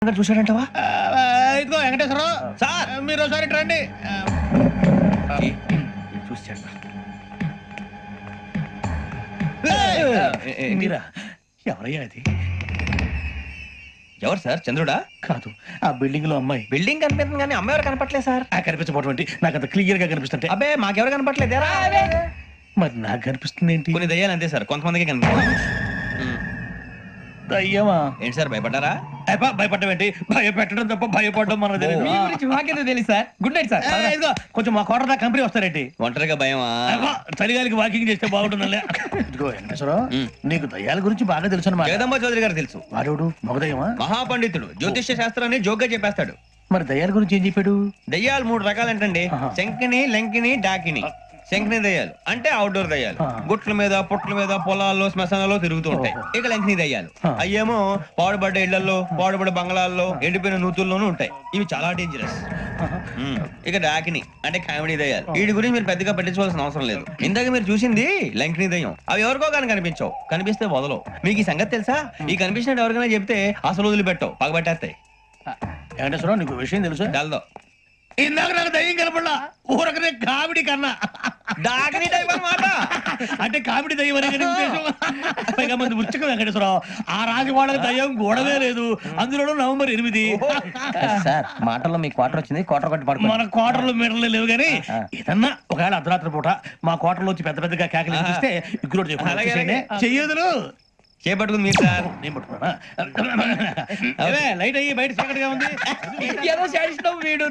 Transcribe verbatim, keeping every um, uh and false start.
చూసాడంటవా? ఇదిగో వెంకటేశ్వరరావు సార్, మీరు ఒకసారి ఇటు రండి. చూసాడు మీరా? ఎవరయ్యా అది? ఎవరు సార్? చంద్రుడా? కాదు, ఆ బిల్డింగ్ లో అమ్మాయి. బిల్డింగ్ కనిపిస్తుంది కానీ అమ్మాయి ఎవరు కనపట్లేదు సార్. ఆ కనిపించబోటువంటి నాకు అంత క్లియర్ గా కనిపిస్తుంటే. అబ్బే మాకెవరు కనపట్లేదు. మరి నాకు కనిపిస్తుంది ఏంటి? కొన్ని దయ్యాలు అంతే సార్, కొంతమందికి కనిపిస్తుంది. అయ్యమా ఏంటి సార్ భయపడ్డారా? భయపడడం ఏంటి? భయపెట్టడం తప్ప భయపడడం మనకు తెలియదు. మీ గురించి మాకేదో తెలుసు సార్. Good night sir. ఏయ్, ఇదిగో కొంచెం మా కోట కంపెనీ వస్తారేంటి? ఒంటరిగా భయమా? అబ్బా, చలిగాలికి వాకింగ్ చేస్తే బాగుంటుందిలే. ఇదిగో వెంకటేశ్వరరావు, ఉమ్. నీకు దయ్యాల గురించి బాగా తెలుసు అన్నమాట. జగదంబ చౌదరి గారు తెలుసు. వాడేవుడు? మగదయ్యమా? మహాపండితుడు, జ్యోతిష్య శాస్త్రాన్ని జోగ్గా చెప్పేస్తాడు. మరి దయ్యాల గురించి ఏం చెప్పాడు? దయ్యాలు మూడు రకాలంటండి. ఆహా. శంకిని, లంకిని, డాకిని. శంకిని దయ్యాలు అంటే అవుట్డోర్ దయ్యాలు, ఆ. గుట్ల మీద పుట్ల మీద పొలాల్లో శ్మశానాల్లో తిరుగుతూ ఉంటాయి. ఓహో. ఇక లంకిని దయ్యాలు ఆ. అయ్యేమో పాడుబడ్డ ఇళ్లలో, పాడుబడ్డ బంగ్లాల్లో, ఎండిపోయిన నూతుల్లోనూ ఉంటాయి. ఇవి చాలా డేంజరస్. ఉమ్. ఇక డాకిని అంటే కామెడీ దయ్యాలు. వీటి గురించి మీరు పెద్దగా పట్టించుకోవాల్సిన అవసరం లేదు. ఇందాక మీరు చూసింది లంకిని దయ్యం. అవి ఎవరికో కానీ కనిపించవు, కనిపిస్తే వదలవు. మీకు ఈ సంగతి తెలుసా? ఈ కనిపించినట్టు ఎవరికైనా చెప్తే అసలు వదిలిపెట్టవు, పగబట్టేస్తాయి. వెంకటేశ్వరరావు, నీకు విషయం తెలుసు? డల్దో ఇందాక నాకు దయ్యం కనపడలా, ఊరకనే కామెడీ కన్నా. డాకిని టైప్ అన్నమాట. అంటే కామెడీ దయ్యం అనే కదా ఉద్దేశం. పైగా మంది ఉచ్చక వెంకటేశ్వరరావు, ఆ రాజు వాళ్ళకి దయ్యం గోడవే లేదు, అందులోనూ నవంబర్ ఎనిమిది. సార్ మాటల్లో మీ క్వార్టర్ వచ్చింది, క్వార్టర్ కొట్టి పడుకో. మన కోటర్లు మీటర్లు లేవు కానీ ఏదన్నా ఒకవేళ అర్ధరాత్రి పూట మా కోటర్లో వచ్చి పెద్ద పెద్దగా కేకలు వినిపిస్తే ఇగ్గురు అలాగే, చెప్పి చెయ్యదులు చేపట్టుకుంది మీరు సార్. నేను పట్టుకున్నా. అవే లైట్ అయ్యి బయట చీకటిగా ఉంది. ఏదో శాడిస్ట్ వీడు